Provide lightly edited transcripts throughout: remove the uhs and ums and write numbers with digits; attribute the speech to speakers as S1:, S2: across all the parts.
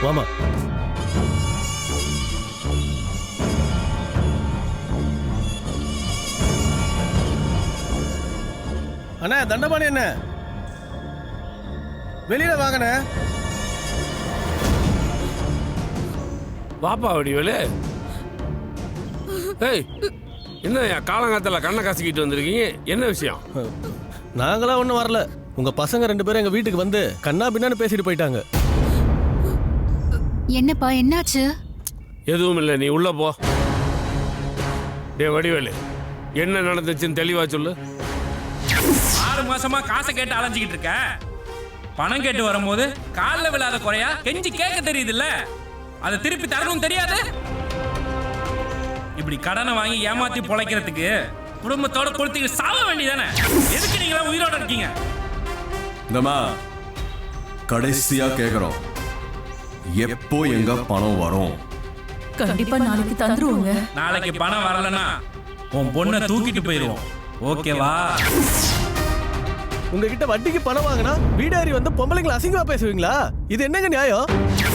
S1: வாமா. அண்ணா தண்டபாணி என்ன வெளியில வாங்கண்ணே.
S2: வாப்பா வடிவேலு. ஏய், என்ன காலங்காத்தில் கண்ணை காசிக்கிட்டு வந்திருக்கீங்க? என்ன விஷயம்?
S1: நாங்களாம் ஒன்றும் வரல. உங்க பசங்க 2 பேரும் எங்க வீட்டுக்கு வந்து கண்ணா பின்னான்னு பேசிட்டு போயிட்டாங்க.
S3: என்னப்பா என்னாச்சு?
S2: எதுவும் இல்லை, நீ உள்ள போ. டே வடிவேலு, என்ன நடந்துச்சுன்னு தெளிவா சொல்லு.
S4: 6 மாசமா காசை கேட்டு அலைஞ்சிக்கிட்டு இருக்க. பணம் கேட்டு வரும்போது காலில் விழாத குறையா கெஞ்சி கேட்க தெரியுதுல்ல, அதை திருப்பி தரணும் தெரியாது. இப்படி கடனை வாங்கி ஏமாத்தி பொழைக்கிறதுக்கு குடும்பத்தோட கொளுத்திட்டு சாவ வேண்டியதானே? எதுக்கு நீங்களா உயிரோட இருக்கீங்க?
S5: இந்தமா கடைசியா கேக்குறோம், எப்போ எங்க பணம் வரும்?
S6: கண்டிப்பா நாளைக்கு தந்துருவோங்க.
S4: நாளைக்கு பணம் வரலன்னா உன் பொண்ணை தூக்கிட்டு போயிடுவோம். ஓகேவா?
S1: உங்ககிட்ட வட்டிக்கு பணம் வாங்கினா வீடாரி வந்து பொம்பளைங்களை அசிங்கமா பேசுவீங்களா? இது என்னங்க நியாயம்?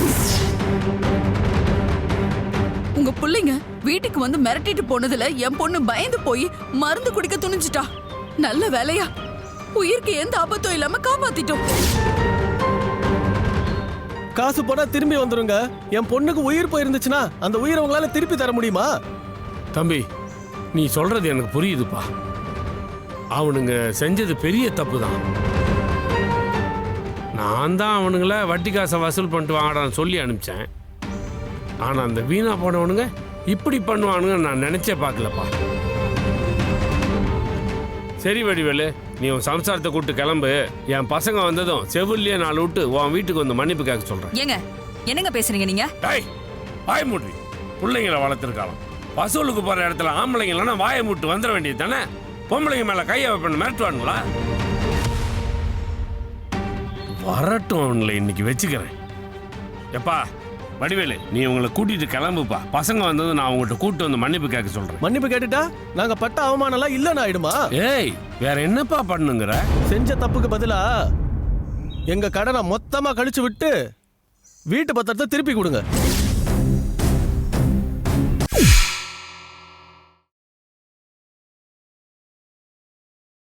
S6: உங்க பிள்ளைங்க வீட்டுக்கு வந்து மிரட்டிட்டு போனதுல என் பொண்ணு பயந்து போய் மருந்து குடிக்க துணிஞ்சிட்டா. நல்ல வேலையா உயிருக்கு எந்த ஆபத்தும் இல்லாம காப்பாத்திட்டோம்.
S1: காசு போனா திரும்பி வந்துருங்க. என் பொண்ணுக்கு உயிர் போயிருந்துச்சுன்னா அந்த உயிரை உங்களால திருப்பி தர முடியுமா?
S2: தம்பி, நீ சொல்றது எனக்கு புரியுதுப்பா. அவனுங்க செஞ்சது பெரிய தப்பு தான். நான் தான் அவனுங்கள வட்டி காசை வசூல் பண்ணிட்டு வாங்கடான்னு சொல்லி அனுப்பிச்சேன். ஆனால் அந்த வீணா போனவனுங்க இப்படி பண்ணுவானுங்க நான் நினைச்சே பார்க்கலப்பா. சரி வடிவேலு, நீ உன் சம்சாரத்தை கூப்பிட்டு கிளம்பு. என் பசங்க வந்ததும் செவிலியே 4 விட்டு உன் வீட்டுக்கு வந்து மன்னிப்பு கேட்க சொல்றேன்.
S6: ஏங்க என்னங்க பேசுறீங்க நீங்க?
S2: வாய மூடி. பிள்ளைங்களை வளர்த்துருக்கலாம். வசூலுக்கு போற இடத்துல ஆம்பளைங்களா வாயை மூட்டு வந்துட வேண்டியது தானே? பொம்பளைங்க மேல கையை வைப்பண்ணு மிரட்டுவானுங்களா? வரட்டும், அவங்களை இன்னைக்கு வச்சுக்கிறேன். எப்பா வடிவேலு, நீ உங்களை கூட்டிட்டு கிளம்புப்பா. பசங்க வந்ததும் நான் உங்கள்கிட்ட கூப்பிட்டு வந்து மன்னிப்பு கேட்க சொல்றேன்.
S1: மன்னிப்பு கேட்டுட்டா நாங்க பட்ட அவமானம் எல்லாம் இல்லன்னு ஆயிடுமா?
S2: ஏய், வேற என்னப்பா பண்ணுங்கிற?
S1: செஞ்ச தப்புக்கு பதிலா எங்க கடனை மொத்தமா கழிச்சு விட்டு வீட்டு பத்திரத்தை திருப்பி கொடுங்க.